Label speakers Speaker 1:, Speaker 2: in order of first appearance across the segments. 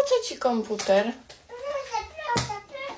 Speaker 1: co ci komputer?
Speaker 2: Proszę,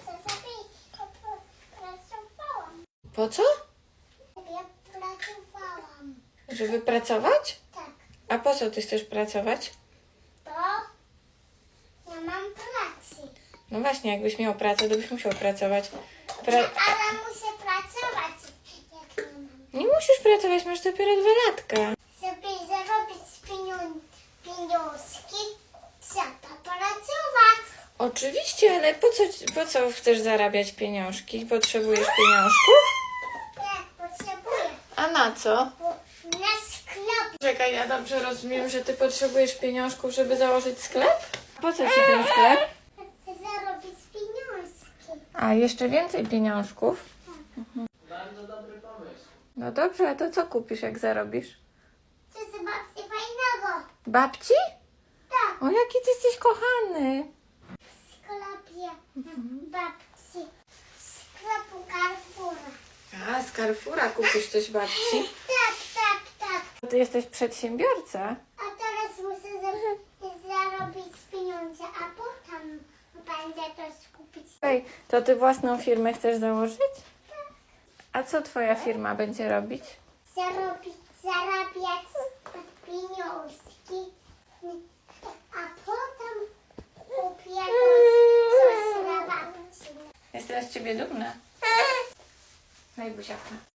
Speaker 2: pracowałam.
Speaker 1: Po co?
Speaker 2: Ja pracowałam.
Speaker 1: Żeby pracować?
Speaker 2: Tak,
Speaker 1: A po co ty chcesz pracować?
Speaker 2: bo ja mam pracę.
Speaker 1: No właśnie, jakbyś miał pracę, to byś musiał pracować.
Speaker 2: Ale muszę pracować, jak nie mam.
Speaker 1: Nie musisz pracować, masz dopiero 2 latka.
Speaker 2: Żeby zarobić pieniążki, trzeba pracować.
Speaker 1: Oczywiście, ale po co chcesz zarabiać pieniążki? Potrzebujesz pieniążków?
Speaker 2: Tak, potrzebuję.
Speaker 1: A na co?
Speaker 2: Bo na sklep
Speaker 1: Czekaj, ja dobrze rozumiem, że ty potrzebujesz pieniążków, żeby założyć sklep? Po co ci ten sklep?
Speaker 2: zarobić pieniążki.
Speaker 1: A, jeszcze więcej pieniążków?
Speaker 3: Bardzo dobry pomysł.
Speaker 1: No dobrze, a to co kupisz, jak zarobisz?
Speaker 2: To jest babci fajnego.
Speaker 1: Babci?
Speaker 2: Tak,
Speaker 1: O, jaki ty jesteś kochany.
Speaker 2: w sklepie babci. W sklepu Carrefoura.
Speaker 1: A, z Carrefoura kupisz coś babci.
Speaker 2: Tak.
Speaker 1: Ty jesteś przedsiębiorca.
Speaker 2: A teraz muszę zarobić pieniądze, a potem będę coś kupić.
Speaker 1: Ej, to ty własną firmę chcesz założyć? A co twoja firma będzie robić?
Speaker 2: Zarabiać pieniążki, a potem kupię coś dla babci.
Speaker 1: Jestem z ciebie dumna. Daj buziaka.